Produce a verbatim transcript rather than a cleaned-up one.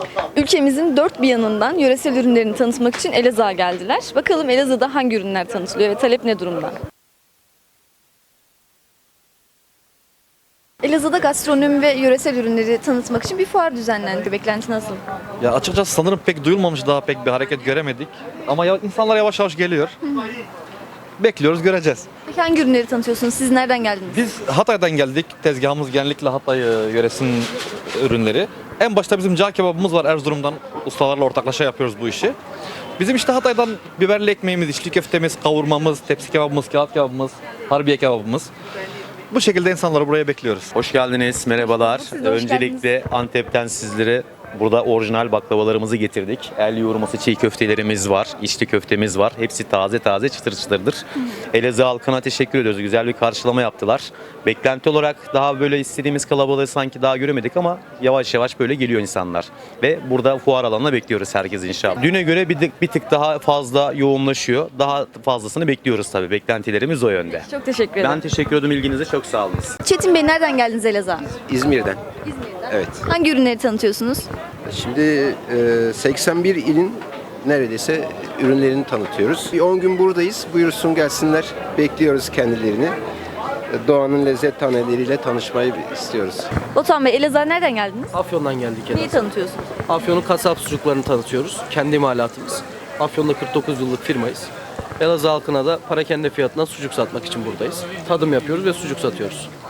Ülkemizin dört bir yanından yöresel ürünlerini tanıtmak için Elazığ'a geldiler. Bakalım Elazığ'da hangi ürünler tanıtılıyor ve talep ne durumda? Elazığ'da gastronomi ve yöresel ürünleri tanıtmak için bir fuar düzenlendi. Beklenti nasıl? Ya açıkçası sanırım pek duyulmamış, daha pek bir hareket göremedik. Ama ya, insanlar yavaş yavaş geliyor. Bekliyoruz, göreceğiz. Peki hangi ürünleri tanıtıyorsunuz? Siz nereden geldiniz? Biz Hatay'dan geldik. Tezgahımız genellikle Hatay e, yöresinin ürünleri. En başta bizim cağ kebabımız var Erzurum'dan. Ustalarla ortaklaşa yapıyoruz bu işi. Bizim işte Hatay'dan biberli ekmeğimiz, içli köftemiz, kavurmamız, tepsi kebabımız, kağıt kebabımız, harbiye kebabımız. Bu şekilde insanları buraya bekliyoruz. Hoş geldiniz, merhabalar. Siz de hoş Öncelikle Antep'ten sizlere burada orijinal baklavalarımızı getirdik. El yoğurması çiğ köftelerimiz var, içli köftemiz var. Hepsi taze taze, çıtır çıtırdır. Elazığ halkına teşekkür ediyoruz. Güzel bir karşılama yaptılar. Beklenti olarak daha böyle istediğimiz kalabalığı sanki daha göremedik ama yavaş yavaş böyle geliyor insanlar. Ve burada fuar alanına bekliyoruz herkes inşallah. Düne göre bir tık, bir tık daha fazla yoğunlaşıyor. Daha fazlasını bekliyoruz tabii. Beklentilerimiz o yönde. Çok teşekkür ederim. Ben teşekkür ederim ilginize, çok sağ olun. Çetin Bey nereden geldiniz Elazığ'a? İzmir'den. İzmir'den. Evet. Hangi ürünleri tanıtıyorsunuz? Şimdi e, seksen bir ilin neredeyse ürünlerini tanıtıyoruz. Bir on gün buradayız. Buyursun gelsinler. Bekliyoruz kendilerini. E, Doğanın lezzet taneleriyle tanışmayı istiyoruz. Batuhan Bey, Elazığ'a nereden geldiniz? Afyon'dan geldik Neyi Elazığ. tanıtıyorsunuz? Afyon'un kasap sucuklarını tanıtıyoruz. Kendi imalatımız. Afyon'da kırk dokuz yıllık firmayız. Elazığ halkına da parakende fiyatına sucuk satmak için buradayız. Tadım yapıyoruz ve sucuk satıyoruz.